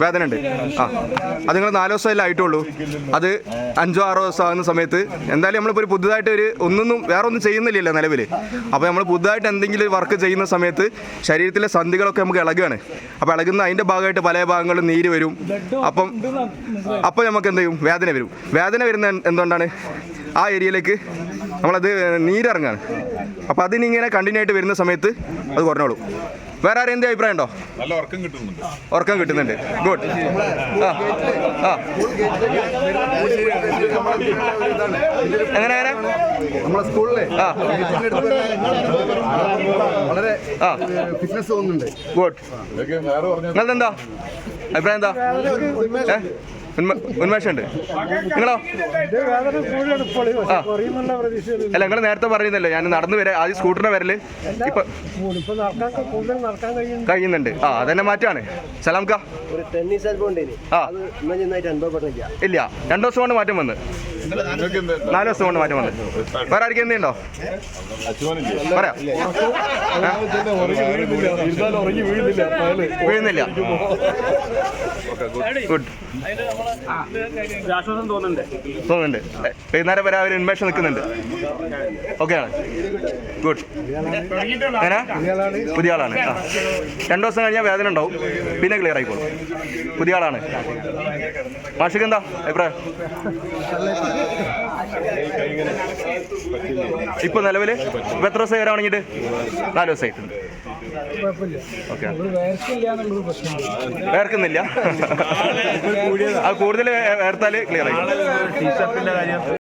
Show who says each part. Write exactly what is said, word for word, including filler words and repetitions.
Speaker 1: വേദന ഉണ്ട്. ആ അത് നിങ്ങൾ നാല് ദിവസമല്ലേ ആയിട്ടുള്ളൂ. അത് അഞ്ചോ ആറോ ദിവസം ആകുന്ന സമയത്ത് എന്തായാലും നമ്മളിപ്പോൾ ഒരു പുതുതായിട്ട് ഒരു ഒന്നൊന്നും വേറെ ഒന്നും ചെയ്യുന്നില്ലല്ലോ നിലവിൽ. അപ്പോൾ നമ്മൾ പുതുതായിട്ട് എന്തെങ്കിലും വർക്ക് ചെയ്യുന്ന സമയത്ത് ശരീരത്തിലെ സന്ധികളൊക്കെ നമുക്ക് ഇളകുകയാണ്. അപ്പോൾ ഇളകുന്ന അതിൻ്റെ ഭാഗമായിട്ട് പല ഭാഗങ്ങളും നീര് വരും. അപ്പം അപ്പോൾ നമുക്ക് എന്ത് ചെയ്യും? വേദന വരും. വേദന വരുന്ന എന്തുകൊണ്ടാണ്? ആ ഏരിയയിലേക്ക് നമ്മളത് നീരിറങ്ങാണ്. അപ്പോൾ അതിനിങ്ങനെ കണ്ടിന്യൂ ആയിട്ട് വരുന്ന സമയത്ത് അത് കുറഞ്ഞോളും. വേറെ ആരും എന്ത് അഭിപ്രായം ഉണ്ടോ?
Speaker 2: നല്ല ഉറക്കം കിട്ടുന്നുണ്ട്.
Speaker 1: ഉറക്കം കിട്ടുന്നുണ്ട്. ഗുഡ്. ആ ആ എങ്ങനെ എങ്ങനെ
Speaker 3: നമ്മളെ സ്കൂളിലെ
Speaker 1: ആ
Speaker 3: വളരെ
Speaker 1: ആ
Speaker 3: ഫിറ്റ്നസ് തോന്നുന്നുണ്ട്.
Speaker 1: ഗുഡ്. നിങ്ങളത് എന്താ അഭിപ്രായം? എന്താ ഏ ഉന്മേഷമുണ്ട്. നിങ്ങളോ? അല്ല നിങ്ങൾ നേരത്തെ പറയുന്നല്ലോ ഞാൻ നടന്നു വരെ ആദ്യം സ്കൂട്ടറിന്റെ വരല് ഇപ്പൊ കഴിയുന്നുണ്ട്. ആ അതന്നെ മാറ്റാണ്. സലാംക്ക ഇല്ല രണ്ടു ദിവസം കൊണ്ട് മാറ്റം വന്ന് നാല് ദിവസം കൊണ്ട് മാറ്റം വന്ന്. വേറെ ആർക്കും എന്തുണ്ടോ പറയാം? വീഴുന്നില്ല. ഗുഡ്. തോന്നുന്നുണ്ട്. വൈകുന്നേരം വരെ അവർ ഉന്മേഷം നിൽക്കുന്നുണ്ട്. ഓക്കെ ആണ്. ഗുഡ്. അങ്ങനെ പുതിയ ആളാണ്. ആ രണ്ടു ദിവസം കഴിഞ്ഞാൽ വേദന ഉണ്ടാവും, പിന്നെ ക്ലിയർ ആയിക്കോളും. പുതിയ ആളാണ്. മാഷിക്ക് എന്താ അഭിപ്രായം? ഇപ്പൊ നിലവില് ഇപ്പൊ എത്ര ദിവസം വരാൻ തുടങ്ങിയിട്ട്? നാല് ദിവസമായിട്ടുണ്ട്. ഓക്കെ. വേർക്കുന്നില്ല. അത് കൂടുതൽ വേർത്താൽ ക്ലിയർ ആയി.